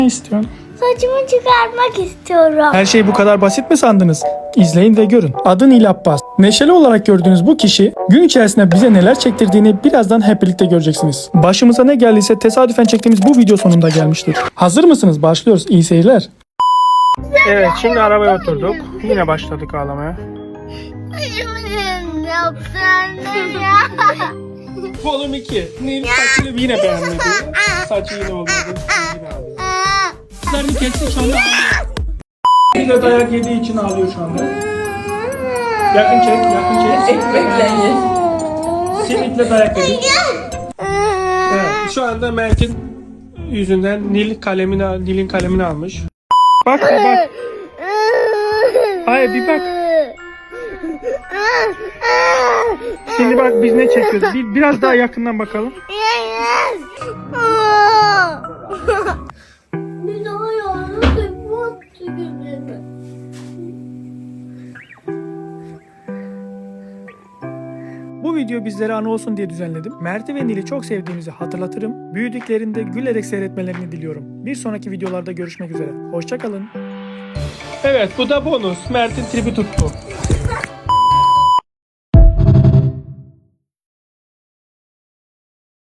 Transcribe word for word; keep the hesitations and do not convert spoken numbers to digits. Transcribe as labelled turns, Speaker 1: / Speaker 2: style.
Speaker 1: Ne istiyorsun?
Speaker 2: Saçımı çıkarmak istiyorum.
Speaker 1: Her şey bu kadar basit mi sandınız? İzleyin ve görün. Adı Nil Abbas. Neşeli olarak gördüğünüz bu kişi gün içerisinde bize neler çektirdiğini birazdan hep birlikte göreceksiniz. Başımıza ne geldiyse tesadüfen çektiğimiz bu video sonunda gelmiştir. Hazır mısınız? Başlıyoruz. İyi seyirler. Evet, şimdi arabaya oturduk. Yine başladık ağlamaya.
Speaker 2: Ne yapsan ya?
Speaker 1: Volüm iki. Nil saçını yine beğenmedi. Saçı yine olmadı. Yine ağlıyor. Saçlarını kesti, şu anda ağlıyor. Bir de dayak yediği için ağlıyor şu anda. Yakın çek, yakın çek.
Speaker 3: Ekmekle ye.
Speaker 1: Simit'le dayak yedi. Evet, şu anda Mert'in yüzünden Nil kalemini, Nil'in kalemini almış. Bak, bak. Hayır, bir bak. Şimdi bak biz ne çekiyoruz. Bir, biraz daha yakından bakalım.
Speaker 2: Bir daha yalnız yapmaktı gözümü.
Speaker 1: Bu video bizlere anı olsun diye düzenledim. Mert'i ve Nil'i çok sevdiğimizi hatırlatırım. Büyüdüklerinde gülerek seyretmelerini diliyorum. Bir sonraki videolarda görüşmek üzere. Hoşça kalın. Evet, bu da bonus. Mert'in tribi tuttu.